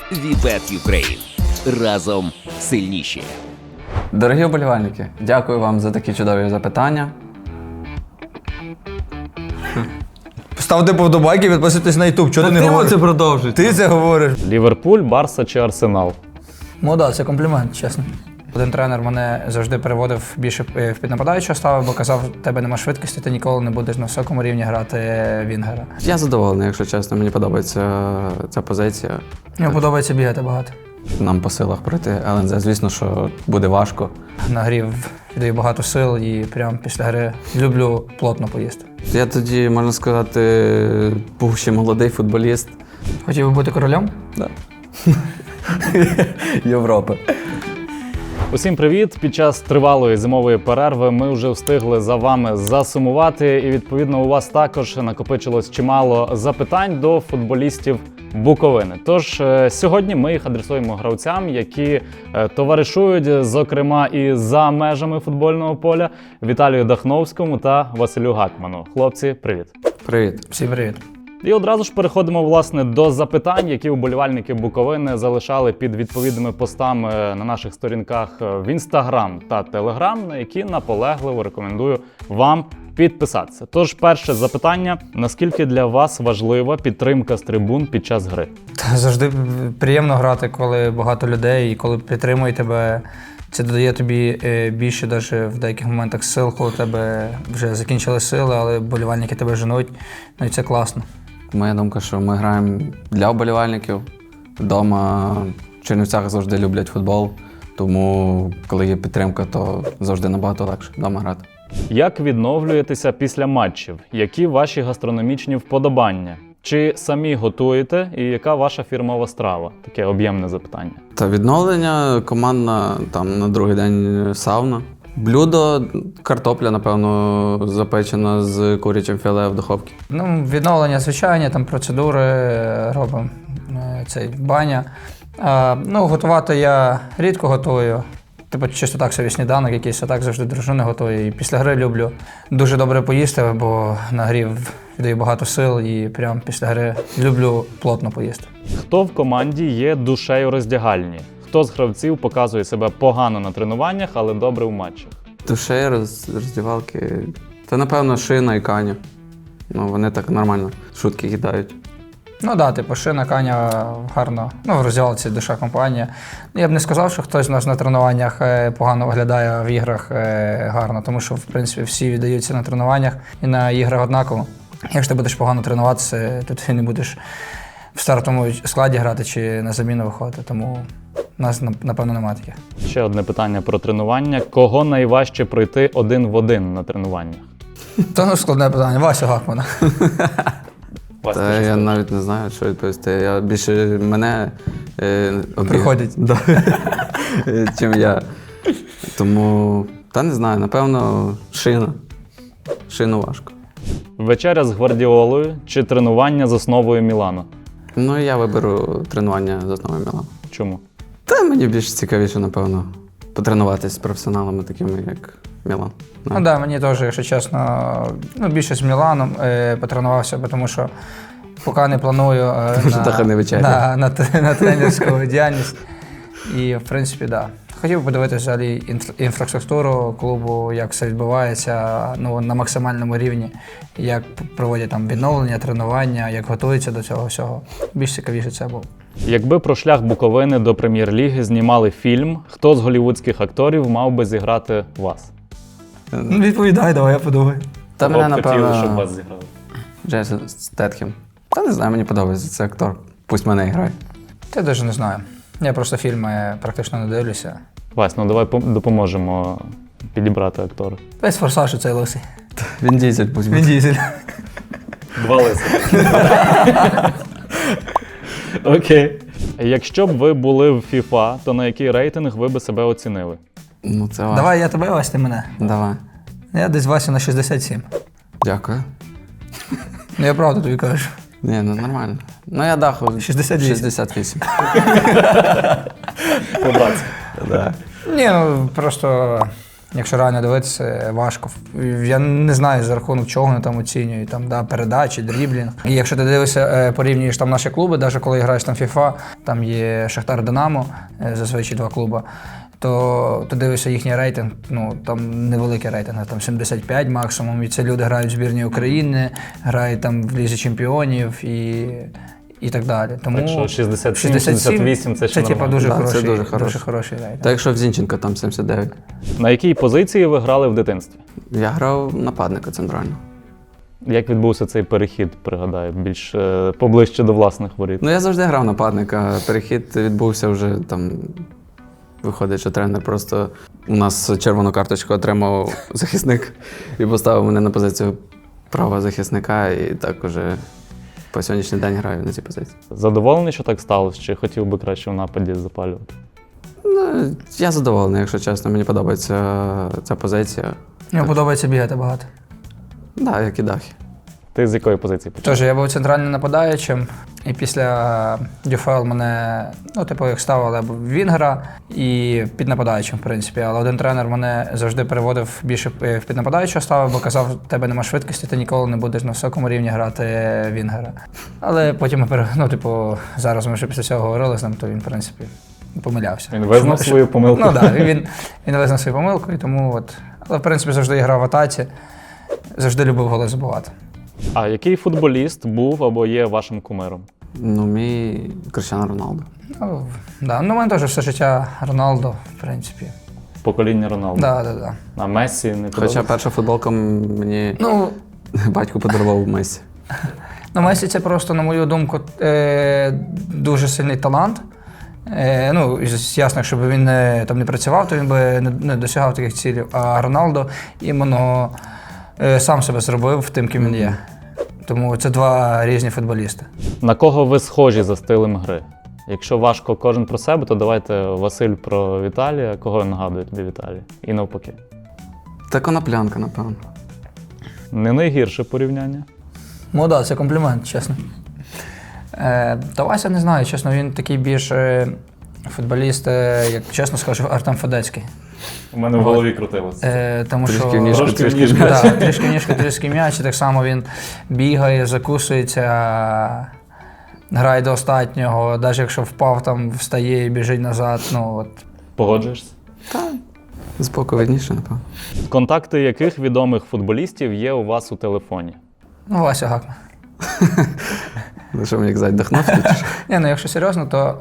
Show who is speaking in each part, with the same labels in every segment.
Speaker 1: Вібет Україн. Разом сильніші.
Speaker 2: Дорогі вболівальники, дякую вам за такі чудові запитання.
Speaker 3: Ставте вподобайки, підписуйтесь на YouTube. Чого ти не говориш?
Speaker 2: це продовжуй.
Speaker 3: Ти це говориш.
Speaker 4: Ліверпуль, Барса чи Арсенал?
Speaker 3: Ну так, це комплімент, чесно. Один тренер мене завжди переводив більше в піднападаючого стави, бо казав, в тебе нема швидкості, ти ніколи не будеш на високому рівні грати вінгера.
Speaker 2: Я задоволений, якщо чесно, мені подобається ця позиція.
Speaker 3: Мені подобається бігати багато.
Speaker 2: Нам по силах пройти ЛНЗ. Звісно, що буде важко.
Speaker 3: На грі віддаю багато сил і прямо після гри люблю плотно поїсти.
Speaker 2: Я тоді, можна сказати, був ще молодий футболіст.
Speaker 3: Хотів би бути королем?
Speaker 2: Да. Європи.
Speaker 4: Усім привіт! Під час тривалої зимової перерви ми вже встигли за вами засумувати, і відповідно у вас також накопичилось чимало запитань до футболістів Буковини. Тож сьогодні ми їх адресуємо гравцям, які товаришують, зокрема, і за межами футбольного поля, Віталію Дахновському та Василю Гакману. Хлопці, привіт!
Speaker 2: Привіт.
Speaker 3: Всім привіт.
Speaker 4: І одразу ж переходимо, власне, до запитань, які вболівальники Буковини залишали під відповідними постами на наших сторінках в Інстаграм та Телеграм, на які наполегливо рекомендую вам підписатися. Тож, перше запитання. Наскільки для вас важлива підтримка з трибун під час гри?
Speaker 3: Завжди приємно грати, коли багато людей і коли підтримують тебе. Це додає тобі більше навіть в деяких моментах сил, коли у тебе вже закінчили сили, але вболівальники тебе женуть. Ну і це класно.
Speaker 2: Моя думка, що ми граємо для вболівальників. Вдома в Чернівцях завжди люблять футбол, тому коли є підтримка, то завжди набагато легше вдома грати.
Speaker 4: Як відновлюєтеся після матчів? Які ваші гастрономічні вподобання? Чи самі готуєте і яка ваша фірмова страва? Таке об'ємне запитання.
Speaker 2: Та відновлення командна, там на другий день сауна. Блюдо, картопля, напевно, запечена з курячим філе в духовці.
Speaker 3: Ну, відновлення звичайні, там процедури робимо, баня. Готувати я рідко готую. Типу, чисто так собі сніданок якийсь, а так завжди дружина готує. І після гри люблю дуже добре поїсти, бо на грі віддаю багато сил і прямо після гри люблю плотно поїсти.
Speaker 4: Хто в команді є душею роздягальні? Хто з гравців показує себе погано на тренуваннях, але добре в матчах?
Speaker 2: Душею роздівалки. Та, напевно, Шина і Каня. Ну, вони так нормально шутки кидають.
Speaker 3: Ну так, типу, Шина, Каня гарно. Ну, в розділці душа компанія. Я б не сказав, що хтось з нас на тренуваннях погано виглядає, а в іграх гарно, тому що, в принципі, всі віддаються на тренуваннях і на іграх однаково. Якщо ти будеш погано тренуватися, то ти не будеш в стартовому складі грати чи на заміну виходити, тому у нас, напевно, немає таких.
Speaker 4: Ще одне питання про тренування. Кого найважче пройти один в один на тренуваннях?
Speaker 3: Та складне питання. Вася Гакмана.
Speaker 2: Та я навіть не знаю, що відповісти. Я більше мене
Speaker 3: Приходять.
Speaker 2: Да. Чим я. Тому, та не знаю, напевно, Шина. Шину важко.
Speaker 4: Вечеря з Гвардіолою чи тренування з основою Мілану?
Speaker 2: Ну, я виберу тренування з основою Мілану.
Speaker 4: Чому?
Speaker 2: Та мені більш цікавіше, напевно, потренуватися з професіоналами, такими як Мілан.
Speaker 3: Ну так, мені теж, якщо чесно, більше з Міланом потренувався, тому що поки не планую на тренерську діяльність. І, в принципі, так. Хотів би подивитися взагалі інфраструктуру клубу, як все відбувається на максимальному рівні, як проводять там відновлення, тренування, як готуються до цього всього. Більш цікавіше це було.
Speaker 4: Якби про шлях Буковини до Прем'єр-ліги знімали фільм, хто з голівудських акторів мав би зіграти вас?
Speaker 3: Відповідай, давай, я подумаю.
Speaker 2: Та мене,
Speaker 4: Хотіли, щоб
Speaker 2: напевно,
Speaker 4: вас зіграли.
Speaker 2: Джейсон Стетхем. Та не знаю, мені подобається цей актор. Пусть мене грає.
Speaker 3: Я навіть не знаю. Я просто фільми практично не дивлюся.
Speaker 4: Вась, давай допоможемо підібрати актора.
Speaker 3: Весь форсаж цей лисий.
Speaker 2: Він Дізель пусть буде.
Speaker 3: Він Дізель.
Speaker 4: Два лиси. Окей. Якщо б ви були в FIFA, то на який рейтинг ви би себе оцінили?
Speaker 2: Ну, це важко.
Speaker 3: Давай я тебе, Вась, ти мене.
Speaker 2: Давай.
Speaker 3: Я десь Вася на 67.
Speaker 2: Дякую.
Speaker 3: Ну я правду тобі кажу.
Speaker 2: Ні, ну нормально. Ну я даху
Speaker 3: 68.
Speaker 2: 68.
Speaker 4: Побратися.
Speaker 2: Да.
Speaker 3: Ні, просто Якщо реально дивитися, важко. Я не знаю, за рахунок чого вони там оцінюють, там, да, передачі, дріблінг. І якщо ти дивишся, порівнюєш там наші клуби, навіть коли граєш там FIFA, там є Шахтар Динамо, зазвичай 2 клуби, то ти дивишся їхній рейтинг, ну там невеликий рейтинг, там 75 максимум, і це люди грають в збірній України, грають там в Лізі Чемпіонів і так далі. Тому
Speaker 4: Так що 67-68 це ще
Speaker 3: типа
Speaker 4: нормально.
Speaker 3: дуже
Speaker 2: Да, це
Speaker 3: хороший,
Speaker 2: дуже хороший.
Speaker 3: дуже хороший рейтинг.
Speaker 2: Та якщо в Зінченка там 79.
Speaker 4: На якій позиції ви грали в дитинстві?
Speaker 2: Я грав нападника центрального.
Speaker 4: Як відбувся цей перехід, пригадаю, більш поближче до власних воріт?
Speaker 2: Ну, я завжди грав нападника. Перехід відбувся вже там. Виходить, що тренер просто у нас червону карточку отримав захисник і поставив мене на позицію правого захисника, і так уже по сьогоднішній день граю на цій позиції.
Speaker 4: Задоволений, що так сталося, чи хотів би краще в нападі запалювати?
Speaker 2: Ну, я задоволений, якщо чесно, мені подобається ця позиція.
Speaker 3: Мені подобається бігати багато.
Speaker 2: Так, да, як і дахи.
Speaker 4: Ти з якої позиції почав?
Speaker 3: Тож я був центральним нападаючим, і після ДЮФЛ мене, ну, типу, як ставили вінгера і під нападаючим, в принципі. Але один тренер мене завжди переводив більше в піднападаючого ставив, бо казав, в тебе нема швидкості, ти ніколи не будеш на високому рівні грати вінгера. Але потім, ну, типу, зараз ми вже після цього говорили з ним, то він, в принципі, помилявся.
Speaker 4: Він визнав свою помилку?
Speaker 3: Ну так, він визнав свою помилку, і тому от. Але, в принципі, завжди грав в атаці, завжди любив голи забивати.
Speaker 4: А який футболіст був або є вашим кумиром?
Speaker 2: Ну, мій Кріштіану Роналдо.
Speaker 3: Ну, да. Ну, у мене теж все життя Роналдо, в принципі.
Speaker 4: Покоління Роналду.
Speaker 3: Да.
Speaker 4: А Мессі не
Speaker 2: Хоча
Speaker 4: подобається?
Speaker 2: перша футболка мені
Speaker 3: Ну,
Speaker 2: батько подарував Месі.
Speaker 3: Месі це просто, на мою думку, дуже сильний талант. Ну, ясно, якщо б він там не працював, то він би не досягав таких цілей. А Роналдо іменно сам себе зробив тим, ким він є. Тому це 2 різні футболісти.
Speaker 4: На кого ви схожі за стилем гри? Якщо важко кожен про себе, то давайте Василь про Віталія. Кого нагадує тобі Віталій? І навпаки.
Speaker 2: Та коноплянка, напевно.
Speaker 4: Не найгірше порівняння.
Speaker 3: Ну так, це комплімент, чесно. Та Вася не знаю, чесно, він такий більш футболіст, як чесно скажу, Артем Федецький.
Speaker 4: У мене в голові крутилося.
Speaker 3: Тому
Speaker 2: Трішки
Speaker 3: що
Speaker 2: в ніжку,
Speaker 4: Трошки
Speaker 2: трішки
Speaker 4: в
Speaker 2: в
Speaker 4: ніжку.
Speaker 2: м'яч.
Speaker 3: Так, трішки ніжка, трішки м'яч, і так само він бігає, закусується, грає до останнього, навіть якщо впав, там встає і біжить назад. Ну, от.
Speaker 4: Погоджуєшся?
Speaker 2: Збоку видніше, напевно.
Speaker 4: Контакти яких відомих футболістів є у вас у телефоні?
Speaker 3: Ну, Вася Гакман.
Speaker 2: Ну, що мені як зайд Дахновський? чи що?
Speaker 3: Ні, ну якщо серйозно, то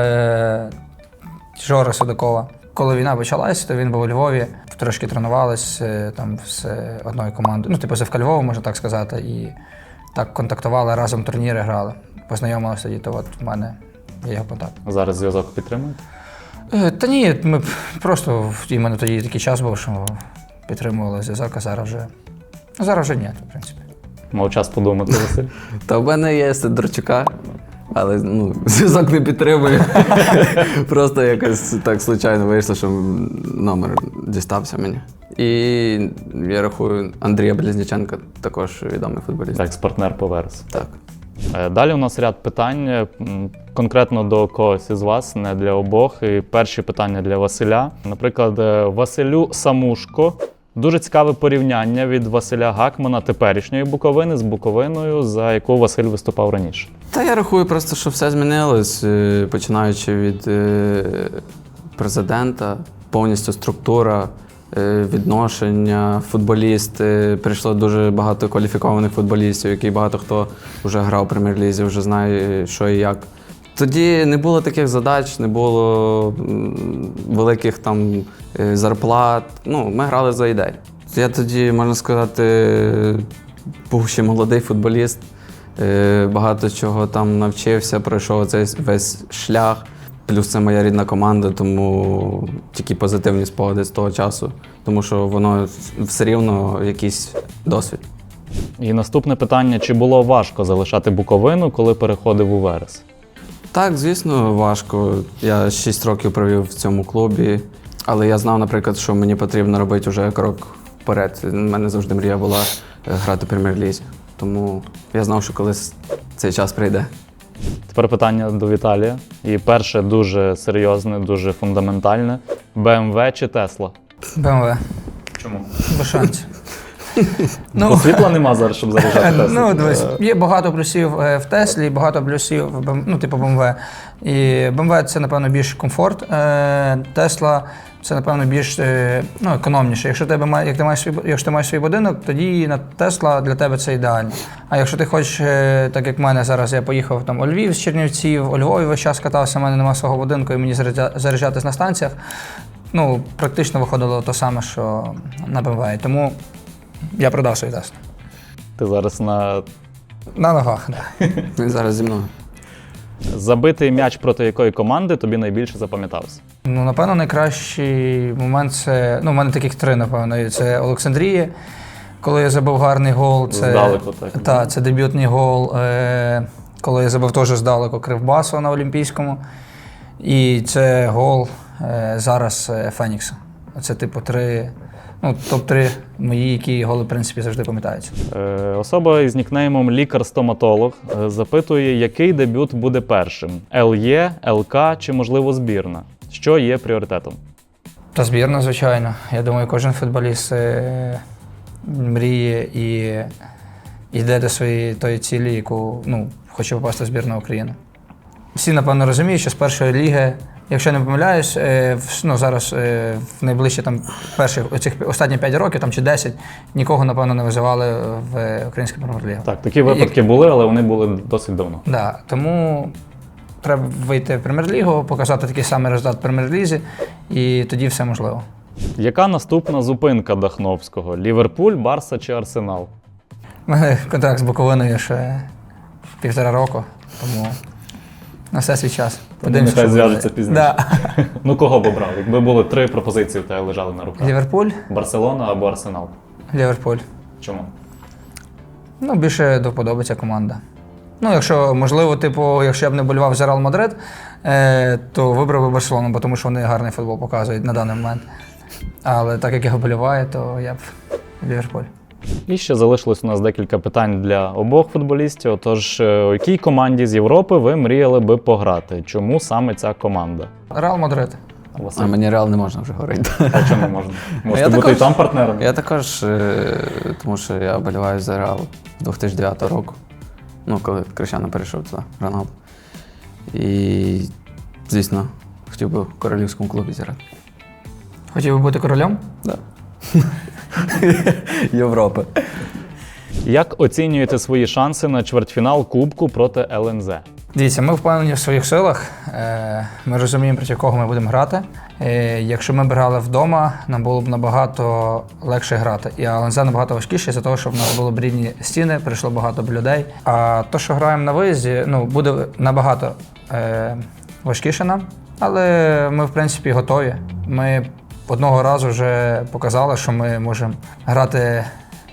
Speaker 3: Жора Судакова. Коли війна почалась, то він був у Львові, трошки тренувались там з одною командою. Ну, типу, з ФК Львова, можна так сказати, і так контактували, разом турніри грали. Познайомилися тоді, то от в мене є його контакт.
Speaker 4: Зараз зв'язок підтримуєте?
Speaker 3: Та ні, ми просто іменно тоді такий час був, що підтримували зв'язок, а зараз вже ні, в принципі.
Speaker 4: Мав час подумати, Василь.
Speaker 2: Та в мене є Сидорчука, але ну, зв'язок не підтримує. Просто якось так случайно вийшло, що номер дістався мені. І я рахую, Андрія Близніченка також відомий футболіст.
Speaker 4: Екс-партнер по Верес.
Speaker 2: Так.
Speaker 4: Далі у нас ряд питань конкретно до когось із вас, не для обох. І перші питання для Василя. Наприклад, Василю Самушко. Дуже цікаве порівняння від Василя Гакмана теперішньої Буковини з Буковиною, за яку Василь виступав раніше.
Speaker 2: Та я рахую просто, що все змінилось, починаючи від президента, повністю структура, відношення, футболісти. Прийшло дуже багато кваліфікованих футболістів, які багато хто вже грав у прем'єр-лізі, вже знає, що і як. Тоді не було таких задач, не було великих там зарплат. Ну, ми грали за ідею. Я тоді, можна сказати, був ще молодий футболіст, багато чого там навчився, пройшов цей весь шлях. Плюс це моя рідна команда, тому тільки позитивні спогади з того часу, тому що воно все рівно якийсь досвід.
Speaker 4: І наступне питання, чи було важко залишати Буковину, коли переходив у Верес?
Speaker 2: Так, звісно, важко. Я 6 років провів в цьому клубі, але я знав, наприклад, що мені потрібно робити вже крок вперед. У мене завжди мрія була грати в прем'єр-лізі. Тому я знав, що колись цей час прийде.
Speaker 4: Тепер питання до Віталія. І перше дуже серйозне, дуже фундаментальне. БМВ чи Тесла?
Speaker 3: БМВ.
Speaker 4: Чому?
Speaker 3: Без шансів.
Speaker 4: Бо світла нема зараз, щоб заряджати Теслу.
Speaker 3: Ну, дивись, є багато плюсів в Теслі, багато плюсів в типу BMW. І BMW – це, напевно, більш комфорт. Тесла – це, напевно, більш економніше. Якщо ти маєш свій будинок, тоді Тесла для тебе це ідеально. А якщо ти хочеш, так як в мене зараз, я поїхав там у Львів з Чернівців, у Львові весь час катався, в мене немає свого будинку і мені заряджатись на станціях, практично виходило те саме, що на BMW. Тому я продав свій Теслу.
Speaker 4: Ти зараз на
Speaker 3: На ногах, так.
Speaker 2: Він зараз зі мною.
Speaker 4: забитий м'яч проти якої команди тобі найбільше запам'ятався?
Speaker 3: Напевно, найкращий момент це, в мене таких три, напевно. Це Олександрія, коли я забив гарний гол. Це,
Speaker 4: Здалеку, так?
Speaker 3: Так, це дебютний гол, коли я забив теж здалеку Кривбасу на Олімпійському. І це гол зараз Фенікса. Це типу три, топ-3 мої, які голи, в принципі, завжди пам'ятаються.
Speaker 4: Особа із нікнеймом лікар-стоматолог запитує, який дебют буде першим? ЛЄ, ЛК чи, можливо, збірна? Що є пріоритетом?
Speaker 3: Та збірна, звичайно. Я думаю, кожен футболіст мріє і йде до своєї тої цілі, яку хоче попасти в збірну України. Всі, напевно, розуміють, що з першої ліги, якщо не помиляюсь, зараз в найближчі останні 5 років чи 10 нікого, напевно, не визивали в українську прем'єр-лігу.
Speaker 4: Так, такі випадки були, але вони були досить давно.
Speaker 3: Да, тому треба вийти в прем'єр-лігу, показати такий самий результат в прем'єр-лізі, і тоді все можливо.
Speaker 4: Яка наступна зупинка Дахновського? Ліверпуль, Барса чи Арсенал?
Speaker 3: У мене контракт з Буковиною ще 1,5 року, тому на все свій час.
Speaker 4: Нехай
Speaker 3: що
Speaker 4: зв'яжеться
Speaker 3: буде.
Speaker 4: пізніше.
Speaker 3: Да.
Speaker 4: Кого б обрав? Якби були 3 пропозиції, в тебе лежали на руках.
Speaker 3: Ліверпуль,
Speaker 4: Барселона або Арсенал.
Speaker 3: Ліверпуль.
Speaker 4: Чому?
Speaker 3: Більше до вподоби ця команда. Якщо, можливо, якщо я б не болював за Реал Мадрид, то вибрав би Барселону, бо тому що вони гарний футбол показують на даний момент. Але так як я вболіваю, то я б Ліверпуль.
Speaker 4: І ще залишилось у нас декілька питань для обох футболістів. Отож, у якій команді з Європи ви мріяли би пограти? Чому саме ця команда?
Speaker 3: Реал Мадрид.
Speaker 4: Василь?
Speaker 2: А мені Реал не можна вже говорити.
Speaker 4: А чому можна? Можете
Speaker 2: Я
Speaker 4: бути
Speaker 2: також-
Speaker 4: і там партнером?
Speaker 2: Я також, тому що я вболіваю за Реал з 2009 року. Коли Крещано перейшов туди, Роналдо. І, звісно, хотів би в королівському клубі зіграти.
Speaker 3: Хотів би бути королем?
Speaker 2: Да. Європи.
Speaker 4: Як оцінюєте свої шанси на чвертьфінал Кубку проти ЛНЗ?
Speaker 3: Дивіться, ми впевнені в своїх силах. Ми розуміємо, проти кого ми будемо грати. Якщо ми б грали вдома, нам було б набагато легше грати. І ЛНЗ набагато важкіше, за того, що в нас були б рівні стіни, прийшло багато б людей. А то, що граємо на виїзді, буде набагато важкіше нам. Але ми, в принципі, готові. Ми одного разу вже показали, що ми можемо грати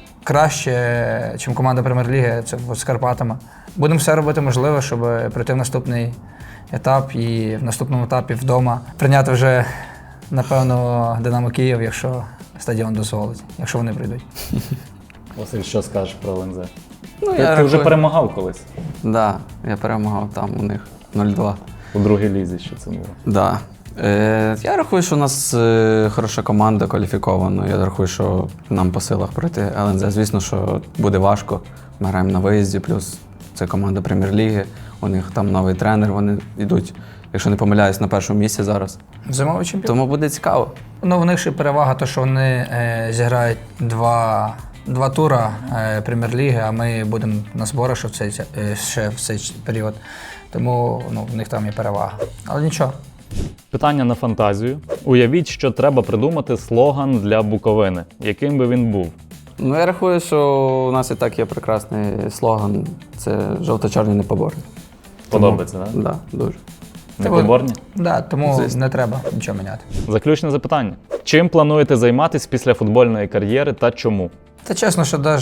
Speaker 3: краще, ніж команда Прем'єр-ліги, це з Карпатами. Будемо все робити можливе, щоб пройти в наступний етап і в наступному етапі вдома прийняти вже, напевно, Динамо Київ, якщо стадіон дозволить, якщо вони прийдуть.
Speaker 4: Василь, що скажеш про ЛНЗ?
Speaker 2: Я
Speaker 4: Ти вже
Speaker 2: рахую-
Speaker 4: перемагав колись
Speaker 2: Да, я перемагав там у них 0-2.
Speaker 4: у другій лізі, що це було.
Speaker 2: Да. Я рахую, що у нас хороша команда, кваліфікована. Я рахую, що нам по силах пройти ЛНЗ. Звісно, що буде важко. Ми граємо на виїзді, плюс це команда Прем'єр-ліги. У них там новий тренер, вони йдуть, якщо не помиляюсь, на першому місці зараз.
Speaker 3: Зимовий чемпіон.
Speaker 2: Тому буде цікаво.
Speaker 3: В них ще перевага, то, що вони зіграють два тура Прем'єр-ліги, а ми будемо на зборах ще в цей період. Тому в них там є перевага. Але нічого.
Speaker 4: Питання на фантазію. Уявіть, що треба придумати слоган для Буковини. Яким би він був?
Speaker 2: Я рахую, що у нас і так є прекрасний слоган. Це жовто-чорні непоборні.
Speaker 4: Подобається, так?
Speaker 2: Да, дуже.
Speaker 4: Непоборні?
Speaker 3: Да, тому
Speaker 2: Звісно.
Speaker 3: не треба нічого міняти.
Speaker 4: Заключне запитання. Чим плануєте займатися після футбольної кар'єри та чому?
Speaker 3: Та чесно, що навіть,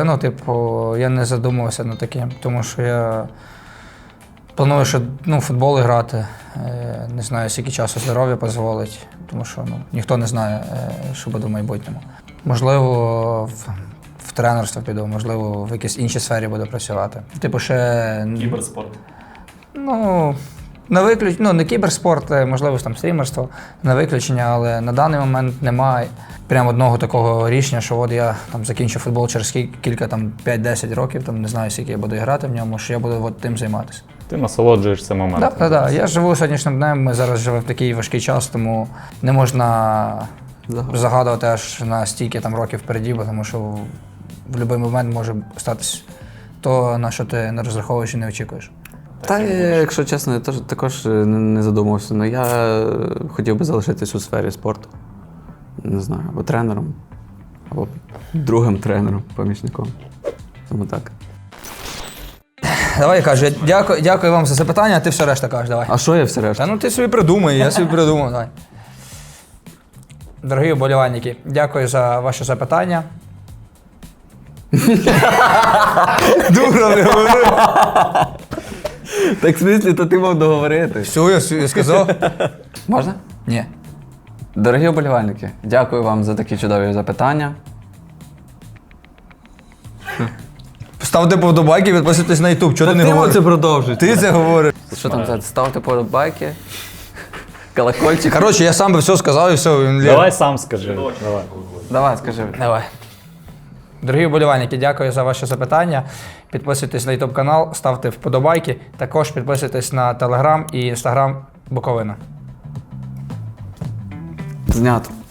Speaker 3: я не задумувався над таким, тому що я планую, що в футбол грати. Не знаю, скільки часу здоров'я дозволить, тому що ніхто не знає, що буде в майбутньому. Можливо, в тренерство піду, можливо, в якійсь іншій сфері буду працювати. Ще
Speaker 4: Кіберспорт.
Speaker 3: Не кіберспорт, можливо, там стрімерство на виключення, але на даний момент немає прямо одного такого рішення, що от я там закінчу футбол через кілька, там 5-10 років, там не знаю, скільки я буду грати в ньому, що я буду от тим займатися.
Speaker 4: Ти насолоджуєшся моментом.
Speaker 3: Так. Я живу соднішнім днем, ми зараз живемо в такий важкий час, тому не можна загадувати аж на стільки там років впереді, бо тому що в будь-який момент може статись то, на що ти не розраховуєш і не очікуєш.
Speaker 2: Та, якщо чесно, я також не задумався. Ну, я хотів би залишитись у сфері спорту. Не знаю, або тренером, або другим тренером, помічником. Тому так.
Speaker 3: Давай, кажу, дякую вам за запитання, а ти все решта кажеш, давай.
Speaker 2: А що я все решта?
Speaker 3: Та ти собі придумай, я собі придумав, давай. Дорогі вболівальники, дякую за ваше запитання. Дура, не говори.
Speaker 2: Так, в смислі, то ти мав договорити.
Speaker 3: Все, я сказав.
Speaker 2: Можна?
Speaker 3: Ні.
Speaker 2: Дорогі вболівальники, дякую вам за такі чудові запитання.
Speaker 3: Ставте подобайки, підписуйтесь на YouTube, чого ти не говориш?
Speaker 2: продовжуєш.
Speaker 3: Ти це говориш.
Speaker 2: Що там це? Ставте подобайки, колокольчик.
Speaker 3: Коротше, я сам би все сказав і все. Він
Speaker 4: Давай сам скажи. Давай.
Speaker 2: Давай, скажи.
Speaker 3: Давай. Дорогі вболівальники, дякую за ваше запитання. Підписуйтесь на YouTube канал, ставте вподобайки. Також підписуйтесь на Telegram і Instagram Буковина.
Speaker 2: Знято.